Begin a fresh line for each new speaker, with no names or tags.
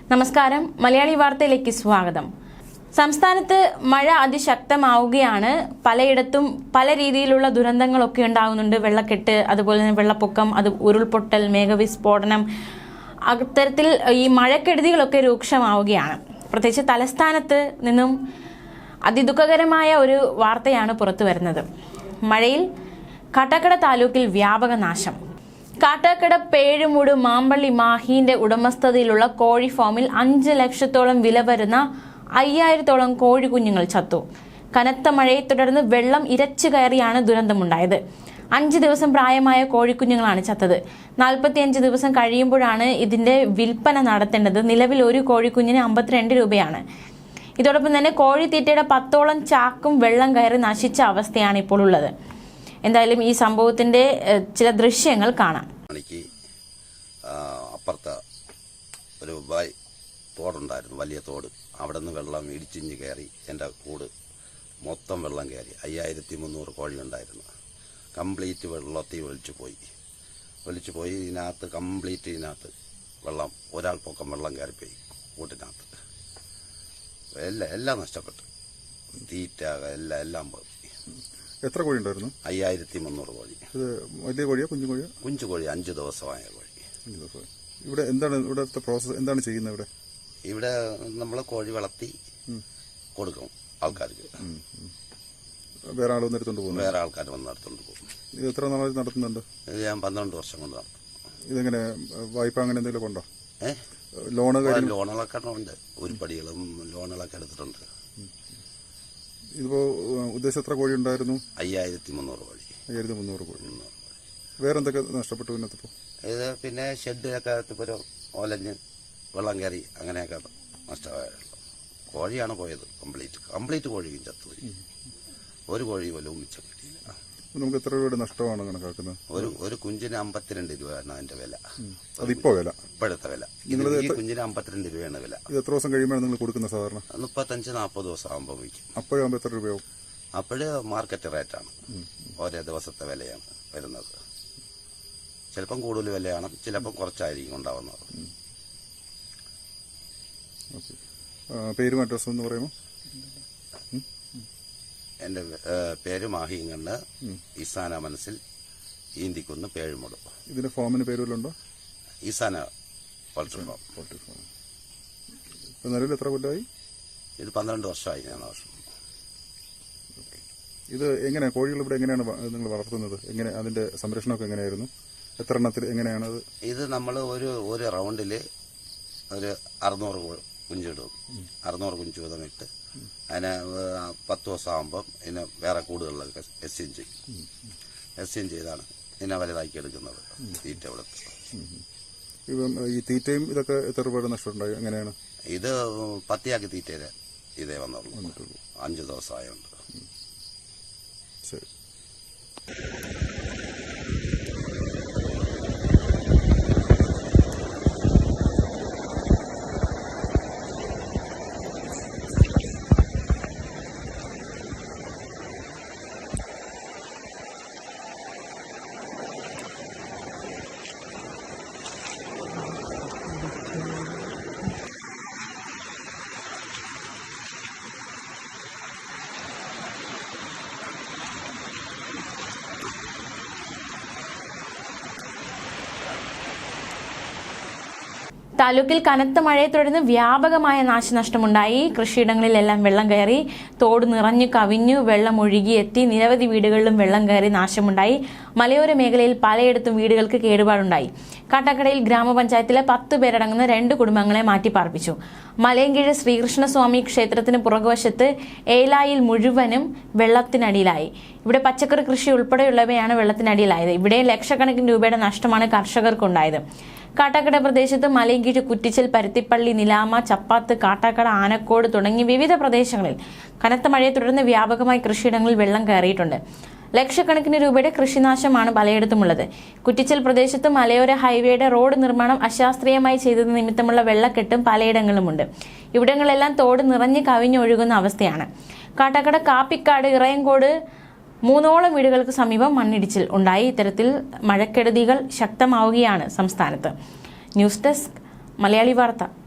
നമസ്കാരം, മലയാളി വാർത്തയിലേക്ക് സ്വാഗതം. സംസ്ഥാനത്ത് മഴ അതിശക്തമാവുകയാണ്. പലയിടത്തും പല രീതിയിലുള്ള ദുരന്തങ്ങളൊക്കെ ഉണ്ടാകുന്നുണ്ട്. വെള്ളക്കെട്ട്, അതുപോലെ തന്നെ വെള്ളപ്പൊക്കം, ഉരുൾപൊട്ടൽ, മേഘവിസ്ഫോടനം, അത്തരത്തിൽ ഈ മഴക്കെടുതികളൊക്കെ രൂക്ഷമാവുകയാണ്. പ്രത്യേകിച്ച് തലസ്ഥാനത്ത് നിന്നും അതിദുഃഖകരമായ ഒരു വാർത്തയാണ് പുറത്തു വരുന്നത്. മഴയിൽ കാട്ടാക്കട താലൂക്കിൽ വ്യാപക നാശം. കാട്ടാക്കട പേഴുമൂട് മാമ്പള്ളി മാഹീന്റെ ഉടമസ്ഥതയിലുള്ള കോഴി ഫാമിൽ 5 ലക്ഷത്തോളം വില വരുന്ന 5000-ഓളം കോഴിക്കുഞ്ഞുങ്ങൾ ചത്തു. കനത്ത മഴയെ തുടർന്ന് വെള്ളം ഇരച്ചു കയറിയാണ് ദുരന്തമുണ്ടായത്. 5 ദിവസം പ്രായമായ കോഴിക്കുഞ്ഞുങ്ങളാണ് ചത്തത്. 45 ദിവസം കഴിയുമ്പോഴാണ് ഇതിന്റെ വിൽപ്പന നടത്തേണ്ടത്. നിലവിൽ ഒരു കോഴിക്കുഞ്ഞിന് 52 രൂപയാണ്. ഇതോടൊപ്പം തന്നെ കോഴിത്തീറ്റയുടെ 10ഓളം ചാക്കും വെള്ളം കയറി നശിച്ച അവസ്ഥയാണ് ഇപ്പോൾ ഉള്ളത്. എന്തായാലും ഈ സംഭവത്തിന്റെ ചില ദൃശ്യങ്ങൾ കാണാം.
അപ്പുറത്ത് ഒരു തോടുണ്ടായിരുന്നു, വലിയ തോട്. അവിടെ നിന്ന് വെള്ളം ഇടിച്ചിഞ്ഞ് കയറി എൻ്റെ കൂട് മൊത്തം വെള്ളം കയറി. 5300 കോഴി ഉണ്ടായിരുന്നു. കംപ്ലീറ്റ് വെള്ളത്തിൽ ഒലിച്ചു പോയി. ഇതിനകത്ത് വെള്ളം, ഒരാൾ പൊക്കം വെള്ളം കയറിപ്പോയി കൂട്ടിനകത്ത്. എല്ലാം നഷ്ടപ്പെട്ടു. തീറ്റ എല്ലാം പോയി.
എത്ര കോഴി ഉണ്ടായിരുന്നു?
5300 കോഴി.
വലിയ കോഴിയോ കുഞ്ഞു കോഴിയോ?
കുഞ്ചു കോഴി, 5 ദിവസമായ കോഴി.
ഇവിടെ ഇവിടുത്തെ പ്രോസസ് എന്താണ് ചെയ്യുന്നത്?
ഇവിടെ നമ്മൾ കോഴി വളർത്തി കൊടുക്കും ആൾക്കാർക്ക്.
വേറെ ആൾ വന്നെടുത്തോണ്ട് പോകും?
വേറെ ആൾക്കാർ വന്ന് എടുത്തോണ്ട് പോകും.
ഇത് എത്ര നാളായി നടത്തുന്നുണ്ട്?
ഇത് ഞാൻ 12 വർഷം കൊണ്ട് നടത്തും.
ഇതെങ്ങനെ വായ്പ അങ്ങനെ എന്തെങ്കിലും ഉണ്ടോ?
ലോണുകളൊക്കെ ഉണ്ട്. ഉരുപ്പടികളും ലോണുകളൊക്കെ എടുത്തിട്ടുണ്ട്.
ഇതിപ്പോ ഉദ്ദേശം എത്ര കോഴി ഉണ്ടായിരുന്നു?
5300 കോഴി.
5300 കോഴി. വേറെ എന്തൊക്കെ നഷ്ടപ്പെട്ടു?
ഇത് പിന്നെ ഷെഡിലൊക്കെ ഒലഞ്ഞ് വെള്ളം കയറി അങ്ങനെയൊക്കെ നഷ്ടമായുള്ളൂ. കോഴിയാണ് പോയത്. കംപ്ലീറ്റ് കോഴിയും ചത്തുപോയി. ഒരു കോഴി പോലും മിച്ചം കിട്ടിയില്ല.
നമുക്ക് എത്ര രൂപയുടെ നഷ്ടമാണ് കണക്കാക്കുന്നത്?
ഒരു കുഞ്ചിന് 52 രൂപയാണ് അതിന്റെ വില.
അതിപ്പോ വില?
ഇപ്പോഴത്തെ വില. ഈ കുഞ്ചിന് 52 രൂപയാണ് വില.
ഇത് എത്ര ദിവസം കഴിയുമ്പോൾ നിങ്ങൾ കൊടുക്കുന്ന? സാധാരണ
35-40 ദിവസം ആകുമ്പോൾ വിൽക്കും.
അപ്പോഴാകുമ്പോൾ എത്ര രൂപയാവും?
അപ്പോഴ് മാർക്കറ്റ് റേറ്റാണ്. ഓരോ ദിവസത്തെ വിലയാണ് വരുന്നത്. ചിലപ്പം കൂടുതൽ വിലയാണ്, ചിലപ്പം കുറച്ചായിരിക്കും ഉണ്ടാവുന്നത്.
പേരും അഡ്രസ്സും എന്ന് പറയുമോ?
എന്റെ പേര് മാഹിങ്ങണ്ണ്, ഈസാന മനസ്സിൽ, ഈന്തിക്കുന്ന്, പേഴുമൂട്.
ഇതിന്റെ ഫാമിന് പേരുണ്ടോ?
Eesana poultry farm.
നിലവിൽ എത്ര കൊല്ലമായി?
ഇത് 12 വർഷമായി. ഞാൻ വർഷം.
ഇത് എങ്ങനെയാണ് കോഴികൾ ഇവിടെ എങ്ങനെയാണ് നിങ്ങൾ വളർത്തുന്നത്? എങ്ങനെ അതിന്റെ സംരക്ഷണമൊക്കെ എങ്ങനെയായിരുന്നു? എത്ര എണ്ണത്തിൽ എങ്ങനെയാണത്?
ഇത് നമ്മൾ ഒരു റൗണ്ടില് ഒരു 600 കുഞ്ചിടും. 600 കുഞ്ചു വീതം ഇട്ട് അതിനെ 10 ദിവസം ആകുമ്പം ഇതിനെ വേറെ കൂടുകളിലൊക്കെ എസ്യം ചെയ്താണ് ഇതിനെ വലുതാക്കി എടുക്കുന്നത്. തീറ്റ കൊടുത്ത്.
ഈ തീറ്റയും ഇതൊക്കെ എത്ര രൂപയുടെ നഷ്ടമുണ്ടായി? എങ്ങനെയാണ്?
ഇത് പത്തിയാക്കി തീറ്റ ഇതേ വന്നുള്ളൂ. 5 ദിവസമായുണ്ട്.
ശരി.
താലൂക്കിൽ കനത്ത മഴയെ തുടർന്ന് വ്യാപകമായ നാശനഷ്ടമുണ്ടായി. കൃഷിയിടങ്ങളിലെല്ലാം വെള്ളം കയറി, തോട് നിറഞ്ഞു കവിഞ്ഞു, വെള്ളം ഒഴുകിയെത്തി. നിരവധി വീടുകളിലും വെള്ളം കയറി നാശമുണ്ടായി. മലയോര മേഖലയിൽ പലയിടത്തും വീടുകൾക്ക് കേടുപാടുണ്ടായി. കാട്ടാക്കടയിൽ ഗ്രാമപഞ്ചായത്തിലെ 10 പേരടങ്ങുന്ന 2 കുടുംബങ്ങളെ മാറ്റിപ്പാർപ്പിച്ചു. മലയൻകീഴ് ശ്രീകൃഷ്ണസ്വാമി ക്ഷേത്രത്തിന് പുറകുവശത്ത് ഏലായിൽ മുഴുവനും വെള്ളത്തിനടിയിലായി. ഇവിടെ പച്ചക്കറി കൃഷി ഉൾപ്പെടെയുള്ളവയാണ് വെള്ളത്തിനടിയിലായത്. ഇവിടെ ലക്ഷക്കണക്കിന് രൂപയുടെ നഷ്ടമാണ് കർഷകർക്കുണ്ടായത്. കാട്ടാക്കട പ്രദേശത്ത് മലയൻകീഴ്, കുറ്റിച്ചൽ, പരുത്തിപ്പള്ളി, നിലാമ, ചപ്പാത്ത്, കാട്ടാക്കട, ആനക്കോട് തുടങ്ങി വിവിധ പ്രദേശങ്ങളിൽ കനത്ത മഴയെ തുടർന്ന് വ്യാപകമായി കൃഷിയിടങ്ങളിൽ വെള്ളം കയറിയിട്ടുണ്ട്. ലക്ഷക്കണക്കിന് രൂപയുടെ കൃഷിനാശമാണ് പലയിടത്തുമുള്ളത്. കുറ്റിച്ചൽ പ്രദേശത്ത് മലയോര ഹൈവേയുടെ റോഡ് നിർമ്മാണം അശാസ്ത്രീയമായി ചെയ്തത് നിമിത്തമുള്ള വെള്ളക്കെട്ടും പലയിടങ്ങളിലുമുണ്ട്. ഇവിടങ്ങളെല്ലാം തോട് നിറഞ്ഞ് കവിഞ്ഞൊഴുകുന്ന അവസ്ഥയാണ്. കാട്ടാക്കട, കാപ്പിക്കാട്, ഇറയങ്കോട് 3ഓളം വീടുകൾക്ക് സമീപം മണ്ണിടിച്ചിൽ ഉണ്ടായി. ഇത്തരത്തിൽ മഴക്കെടുതികൾ ശക്തമാവുകയാണ് സംസ്ഥാനത്ത്. ന്യൂസ് ഡെസ്ക്, മലയാളി വാർത്ത.